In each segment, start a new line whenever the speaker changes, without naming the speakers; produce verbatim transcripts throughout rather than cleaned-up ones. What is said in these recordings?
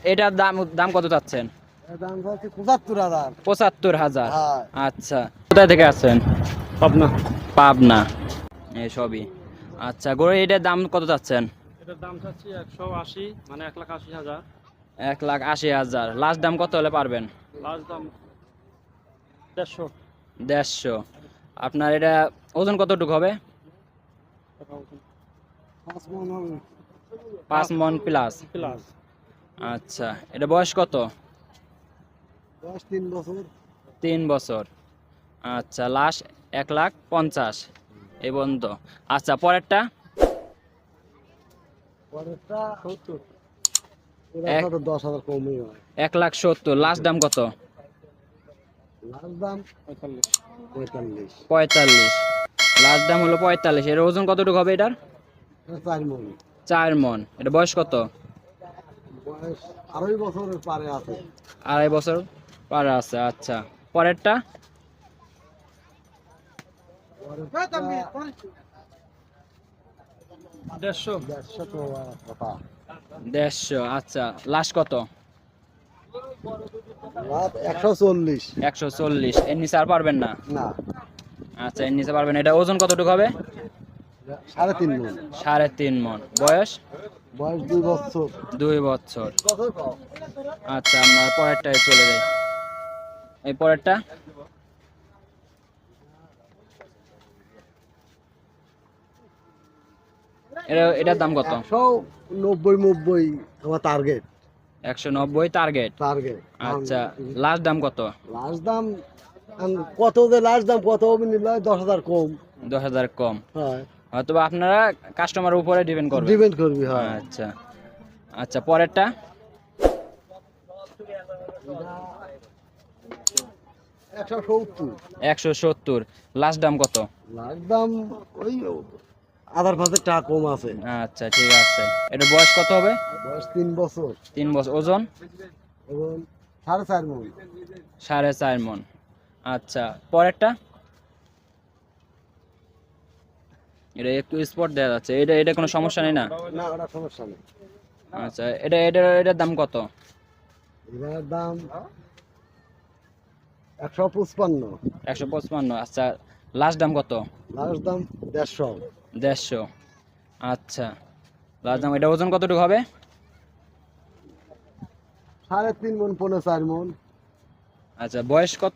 এটার দাম দাম কত চাচ্ছেন?
দাম হচ্ছে পঁচাত্তর হাজার।
পঁচাত্তর হাজার।
হ্যাঁ।
আচ্ছা, কোথায় থেকে আসছেন?
পাবনা।
পাবনা। এই সবই। আচ্ছা, গরু এটার দাম কত চাচ্ছেন?
এটার দাম চাচ্ছি একশো আশি, মানে এক লাখ আশি হাজার।
এক লাখ আশি হাজার। লাস্ট দাম কত হলে পারবেন?
লাস্ট দাম দেড়শো।
দেড়শো। আপনার এটা ওজন কতটুকু হবে?
পাঁচ মন হবে।
পাঁচ মন প্লাস।
প্লাস।
আচ্ছা, এটা বয়স কত?
দশ তিন বছর।
তিন বছর। আচ্ছা, লাস্ট এক লাখ পঞ্চাশ এই পর্যন্ত। আচ্ছা, পরেরটা?
পরেরটা সত্তর।
এক
দশ হাজার কমই হয়।
এক লাখ সত্তর। লাস্ট দাম কত?
লাস্ট দাম পঁয়তাল্লিশ। পঁয়তাল্লিশ।
পঁয়তাল্লিশ। লাস্ট দাম হলো পঁয়তাল্লিশ। এর ওজন কতটুকু হবে এটার?
চার মন।
চার মন। এটা বয়স কত?
বয়স আড়াই বছরের পারে আছে।
আড়াই বছর পার আছে। আচ্ছা, পরেরটা?
দেড়শো। দেড়শো তো কথা।
দেড়শো। আচ্ছা, লাস্ট কত?
একশো চল্লিশ।
একশো চল্লিশ। এর নিচে আর পারবেন না?
না।
আচ্ছা, এর নিচে পারবেন। এটা ওজন কতটুকু হবে?
সাড়ে তিন মন।
সাড়ে তিন মন। বয়স?
বয়স দুই বছর।
দুই বছর। আচ্ছা, আমরা পরেরটায় চলে যাই। এই পরেরটা? এটা এটার দাম কত?
একশো নব্বই নব্বই আমার টার্গেট।
একশো নব্বই টার্গেট।
টার্গেট।
আচ্ছা, লাস্ট দাম কত?
লাস্ট দাম কত, যে লাস্ট দাম কত হবে নিলে দশ হাজার কম।
দশ হাজার কম।
হ্যাঁ।
হয়তো আপনারা কাস্টমারের উপরে ডিপেন্ড করবেন।
ডিপেন্ড করবি। হ্যাঁ।
আচ্ছা। আচ্ছা, পরেরটা?
একশো সত্তর।
একশো সত্তর। লাস্ট দাম কত?
লাস্ট দাম ওই আধার পাঁচের টাকা কম আছে।
আচ্ছা, ঠিক আছে। এটা বয়স কত হবে?
বয়স তিন বছর।
তিন বছর। ওজন?
এবং সাড়ে চার মন।
সাড়ে চার মন। আচ্ছা, পরেরটা? এটা একটু স্পট দেওয়া যাচ্ছে। এটা এটা কোনো সমস্যা নেই না?
না, ওটা সমস্যা নেই।
আচ্ছা, এটা এটা এটার দাম কত?
এটার দাম একশো পঁচপান্ন।
একশো পঁচপান্ন। আচ্ছা, লাস্ট দাম কত?
লাস্ট দাম দেড়শো।
দেড়শো। আচ্ছা, লাস্ট দাম। এটা ওজন কতটুকু হবে?
সাড়ে তিন মন পনেরো চার মন।
আচ্ছা, বয়স কত?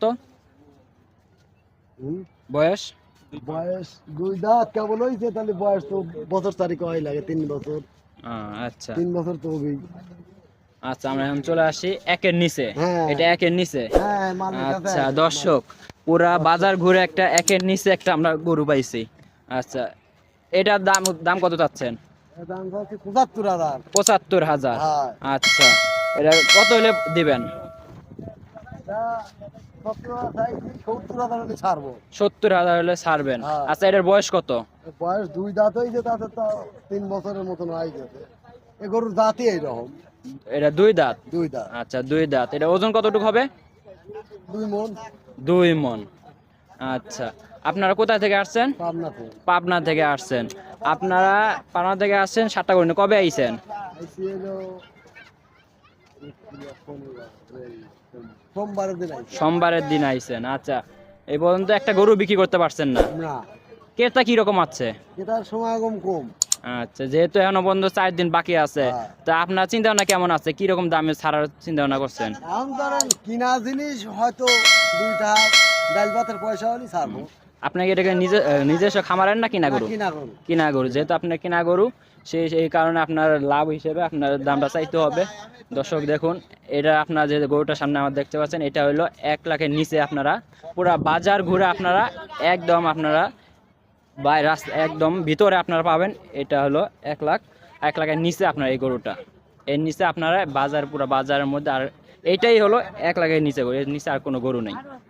হুম।
বয়স?
বয়স দুই দাঁত কেবল হয়েছে, তাহলে বয়স তো বছর তারিখ হয় লাগে তিন বছর।
আহ, আচ্ছা।
তিন বছর তো হবেই।
আচ্ছা, আমরা এখন চলে আসি একের নিচে।
হ্যাঁ।
এটা একের নিচে।
হ্যাঁ, মালিক আছে।
আচ্ছা, দর্শক, পুরা বাজার ঘুরে একটা একের নিচে একটা আমরা গরু পাইছি। আচ্ছা, এটার দাম দাম কত চাচ্ছেন?
এর দাম হচ্ছে পঁচাত্তর হাজার।
পঁচাত্তর হাজার।
হ্যাঁ।
আচ্ছা, এটা কত হলে দিবেন?
এটা সত্তর হাজার চাইছি, সত্তর হাজার হলে ছাড়বো।
সত্তর হাজার হলে ছাড়বেন।
হ্যাঁ।
আচ্ছা, এটার বয়স কত?
বয়স দুই দাঁত হয়েছে, তাতে তো তিন বছরের মতন হয়ে গেছে। এ গরুর দাঁতই এইরকম।
এটা দুই দাঁত।
দুই দাঁত।
আচ্ছা, দুই দাঁত। এটা ওজন কতটুকু হবে?
দুই মন।
দুই মন। আচ্ছা, আপনারা কোথায় থেকে আসছেন?
পাবনা থেকে।
পাবনা থেকে আসছেন। আপনারা পাবনা থেকে আসছেন সাতটা করে। কবে আইছেন?
আইসি হলো সোমবারের দিন আইসি।
সোমবারের দিন আইছেন। আচ্ছা, এই পর্যন্ত একটা গরু বিক্রি করতে পারছেন না?
না।
ক্রেতা কি রকম আছে?
এটার সমাগম কম।
আচ্ছা, যেহেতু এখনো পর্যন্ত চার দিন বাকি আছে,
হ্যাঁ।
তা আপনার চিন্তা ভাবনা কেমন আছে? কি রকম দামে ছাড়ার চিন্তা ভাবনা করছেন?
এখন ধরেন কিনা জিনিস হয়তো দুইটা ডাল ভাতের পয়সা হলে ছাড়বো।
আপনাকে এটাকে নিজে নিজস্ব খামারের না কিনা গরু?
না, কিনা গরু।
কিনা গরু। যেহেতু আপনার কিনা গরু, সেই সেই কারণে আপনার লাভ হিসেবে আপনার দামটা চাইতে হবে। দর্শক দেখুন, এটা আপনার যে গরুটার সামনে আমার দেখতে পাচ্ছেন, এটা হলো এক লাখের নিচে। আপনারা পুরা বাজার ঘুরে আপনারা একদম আপনারা বাই রাস্তা একদম ভিতরে আপনারা পাবেন। এটা হলো এক লাখ এক লাখের নিচে আপনার এই গরুটা। এর নিচে আপনারা বাজার পুরো বাজারের মধ্যে, আর এইটাই হলো এক লাখের নিচে গরু। এর নিচে আর কোনো গরু নেই।